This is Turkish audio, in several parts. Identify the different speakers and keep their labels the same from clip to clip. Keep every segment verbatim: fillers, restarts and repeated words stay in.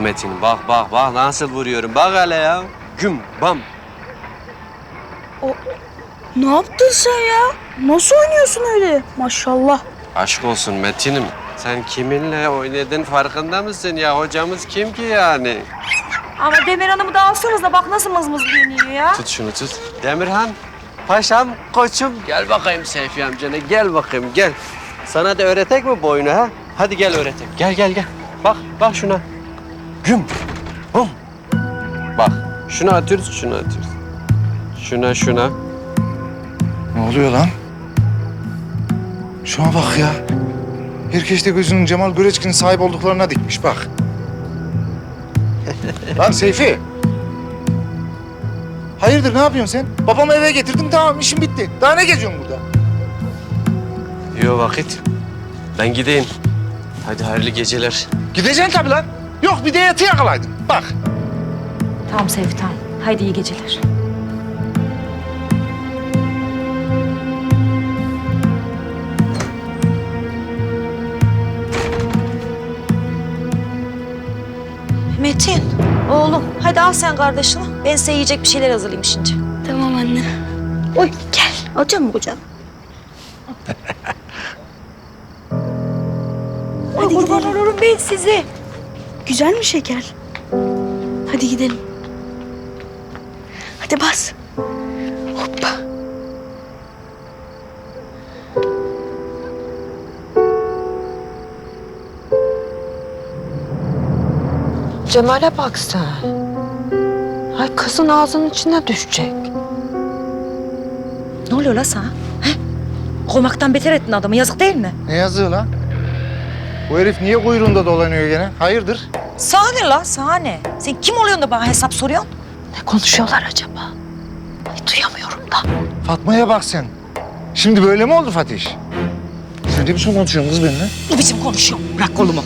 Speaker 1: Metin, bak bak bak nasıl vuruyorum. Bak hele ya. Güm bam.
Speaker 2: Ne yaptın sen ya? Nasıl oynuyorsun öyle? Maşallah.
Speaker 1: Aşk olsun Metin'im. Sen kiminle oynadın farkında mısın ya? Hocamız kim ki yani?
Speaker 3: Ama Demir Hanım'ı da alsanız da bak nasıl mızmızlıyor ya.
Speaker 1: Tut şunu tut. Demirhan, paşam, koçum. Gel bakayım Seyfi amcana, gel bakayım gel. Sana da öğretek mi bu oyunu ha? Hadi gel öğretek. Gel gel gel. Bak bak şuna. Güm. Bum. Bak şunu atıyoruz, şunu atıyoruz. Şuna şuna.
Speaker 4: Ne oluyor lan? Şuna bak ya. Herkes de gözünün Cemal Göreçkin'in sahip olduklarına dikmiş bak. Lan Seyfi. Hayırdır ne yapıyorsun sen? Babamı eve getirdim tamam işim bitti. Daha ne geziyorsun burada?
Speaker 1: Yok vakit. Ben gideyim. Hadi hayırlı geceler.
Speaker 4: Gideceksin tabii lan. Yok bir de yatı yakalaydın. Bak.
Speaker 3: Tamam Seyfi tamam. Haydi iyi geceler. Metin, oğlum hadi al sen kardeşini. Ben size yiyecek bir şeyler hazırlayayım şimdi.
Speaker 2: Tamam anne.
Speaker 3: Oy gel. Alacak mı kucağına? Oy kurban olurum ben sizi.
Speaker 2: Güzel mi şeker? Hadi gidelim. Hadi bas. Hoppa.
Speaker 5: Cemal'e bak sen. Ay kızın ağzının içine düşecek.
Speaker 3: Ne oluyor la sana? He? Kovmaktan beter ettin adamı. Yazık değil mi?
Speaker 4: Ne yazıyor lan? Bu herif niye kuyruğunda dolanıyor gene? Hayırdır?
Speaker 3: Sana ne la? Sana ne? Sen kim oluyorsun da bana hesap soruyorsun?
Speaker 5: Ne konuşuyorlar acaba? Ay, duyamıyorum da.
Speaker 4: Fatma'ya bak sen. Şimdi böyle mi oldu Fatih? Sen ne biçim konuşuyorsun kız benimle?
Speaker 3: Ne biçim konuşuyorsun? Bırak kolumu.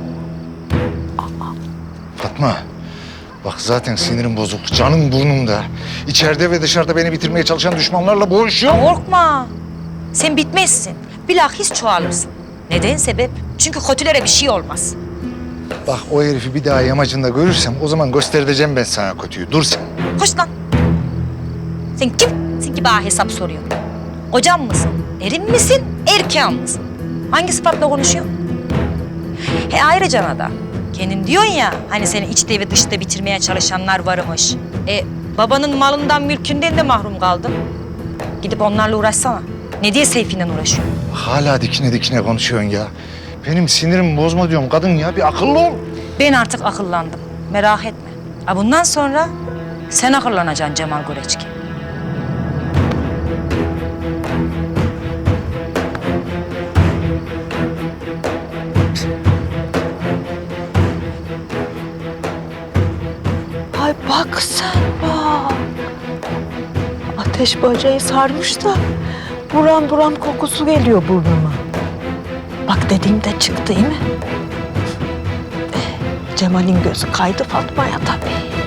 Speaker 4: Fatma, bak zaten sinirim bozuk, canım burnumda. İçeride ve dışarıda beni bitirmeye çalışan düşmanlarla boğuşuyorum.
Speaker 3: Korkma. Sen bitmezsin. Bilakis çoğalırsın. Neden sebep? Çünkü kötülere bir şey olmaz.
Speaker 4: Bak o herifi bir daha yamacında görürsem o zaman göstereceğim ben sana kötüyü. Dur sen.
Speaker 3: Koş lan. Sen kimsin ki bana hesap soruyorsun? Kocam mısın? Erin misin? Erkeğin misin? Hangi sıfatla konuşuyorsun? He ayrıca da kendin diyorsun ya hani seni içte ve dışta bitirmeye çalışanlar varmış. E babanın malından mülkünden de mahrum kaldın. Gidip onlarla uğraşsana. Ne diye Seyfi'yle uğraşıyorsun?
Speaker 4: Hala dikine dikine konuşuyorsun ya. Benim sinirimi bozma diyorum kadın ya. Bir akıllı ol.
Speaker 3: Ben artık akıllandım. Merak etme. Ha bundan sonra sen akıllanacaksın Cemal Göreçki.
Speaker 5: Ay bak sen bak. Ateş böceği sarmış da buram buram kokusu geliyor burnuma. Bak dediğimde çıktı değil mi? Eh, Cemal'in gözü kaydı Fatma'ya tabii.